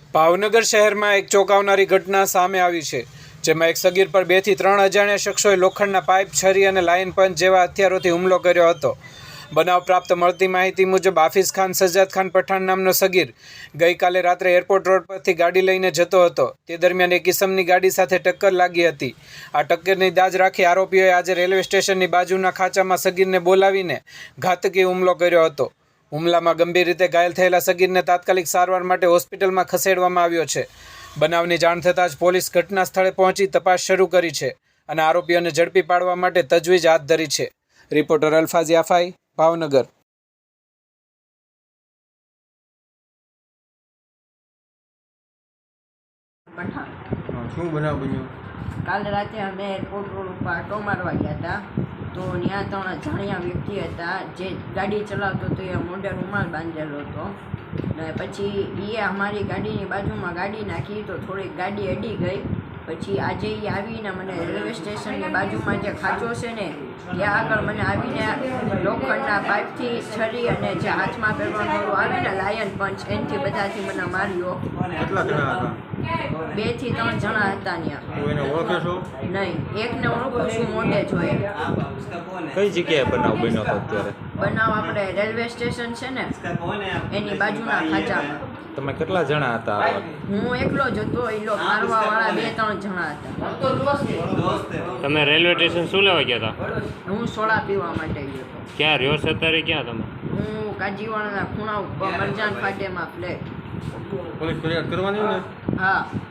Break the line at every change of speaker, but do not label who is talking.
ભાવનગર શહેરમાં એક ચોંકાવનારી ઘટના સામે આવી છે, જેમાં એક સગીર પર 2 થી 3 અજાણ્યા શખ્સોએ લોખંડના પાઇપ, છરી અને લાઇન પંચ જેવા હથિયારોથી હુમલો કર્યો હતો। બનાવ પ્રાપ્ત મળતી માહિતી મુજબ હાફિઝ ખાન સજ્જાદ ખાન પઠાણ નામનો સગીર ગઈકાલે રાત્રે એરપોર્ટ રોડ પરથી ગાડી લઈને જતો હતો। તે દરમિયાન એક ઇસમની ગાડી સાથે ટક્કર લાગી હતી। આ ટક્કરની દાજ રાખી આરોપીઓએ આજે રેલવે સ્ટેશનની બાજુના ખાંચામાં સગીરને બોલાવીને ઘાતકી હુમલો કર્યો હતો। હુમલામાં ગંભીર રીતે ઘાયલ થયેલા સગીરને તાત્કાલિક સારવાર માટે હોસ્પિટલમાં ખસેડવામાં આવ્યો છે। બનાવની જાણ થતાં જ પોલીસ ઘટના સ્થળે પહોંચી તપાસ શરૂ કરી છે અને આરોપીઓને ઝડપી પાડવા માટે તજવીજ હાથ ધરી છે। રિપોર્ટર અલ્ફાઝ યાફાઈ, ભાવનગર।
શું બનાવ બન્યો?
કાલ રાતે અમે એરપોર્ટ રોડ ઉપર આટો મારવા ગયા હતા, તો ત્યાં 3 અજાણ્યા વ્યક્તિ હતા જે ગાડી ચલાવતો હતો। એ મોઢે રૂમાલ બાંધેલો હતો ને પછી એ અમારી ગાડીની બાજુમાં ગાડી નાખી તો થોડીક ગાડી અડી ગઈ। પછી આજે એ આવીને મને રેલવે સ્ટેશનની બાજુમાં જે ખાંચો છે ને ત્યાં આગળ મને આવીને લોખંડના પાઇપથી છરી અને જે હાથમાં પહેરવાનું આવે ને લાયન પંચ એનાથી બધાથી મને માર્યો।
કેટલા જણા હતા?
2 થી 3 જણા હતા ત્યાં।
તું એને ઓળખે છો?
નહીં, એકને ઓળખું છું, મોઢે જોઈએ।
કઈ જગ્યાએ બનાવ બન્યો હતો અત્યારે?
બનાવ આપણે રેલવે સ્ટેશન છે ને એની બાજુના ખાંચામાં।
તમે કેટલા જણા હતા?
હું એકલો જ હતો, એ લોકો મારવાવાળા 2-3 જણા હતા।
તમે રેલવે સ્ટેશન શું લેવા ગયા હતા?
હું સોડા પીવા માટે ગયો હતો।
ક્યાં રહ્યો છો અત્યારે? ક્યાં તમે?
હું કાજીવાડાના ખૂણા ઉપર મરજાન ફાટેમાં ફ્લેટ।
પોલીસ ફરિયાદ કરવાની ને?
હા।